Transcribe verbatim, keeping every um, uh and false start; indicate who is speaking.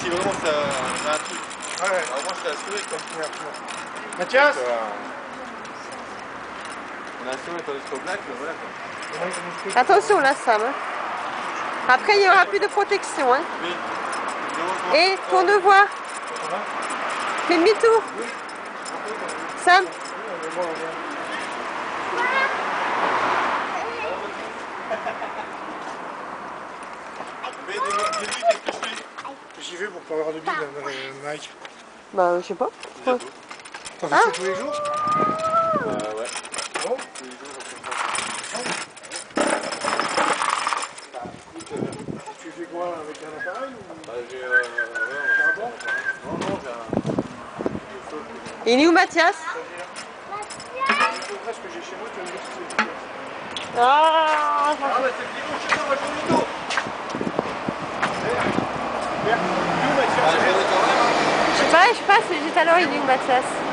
Speaker 1: si vraiment ça a un truc.
Speaker 2: Ouais.
Speaker 1: Alors moi je t'ai assuré quoi.
Speaker 2: Mathias
Speaker 1: Donc, euh, on a assuré tandis qu'au black, voilà quoi.
Speaker 3: Attention là, Sam. Après, il n'y aura plus de protection. Hein.
Speaker 1: Oui.
Speaker 3: Et tourne-voie. Fais demi-tour. Sam.
Speaker 1: Mais dis-lui qu'est-ce que je fais.
Speaker 2: J'y vais pour pas avoir de bide dans le Nike.
Speaker 3: Bah, je sais pas.
Speaker 1: Bientôt.
Speaker 2: T'en fais
Speaker 3: Ah.
Speaker 2: ça tous les jours?
Speaker 1: Euh, ouais.
Speaker 2: Bon.
Speaker 1: Tous les jours, on fait
Speaker 2: Bah, écoute, euh, tu fais quoi avec un appareil ou...
Speaker 1: ça. Bah, j'ai euh, ouais,
Speaker 2: Ah bon?
Speaker 1: non, non, j'ai un. J'ai saute.
Speaker 3: Il est où, Mathias?
Speaker 2: Le reste que j'ai chez moi, tu vas me dire si c'est efficace.
Speaker 3: Ah,
Speaker 1: Ah, bah, c'est le bidon chez moi, moi je joue au dos.
Speaker 2: Super. Où, Mathias?
Speaker 1: Bah, je vais quand même.
Speaker 3: je sais pas, je passe, juste alors il est où, Mathias?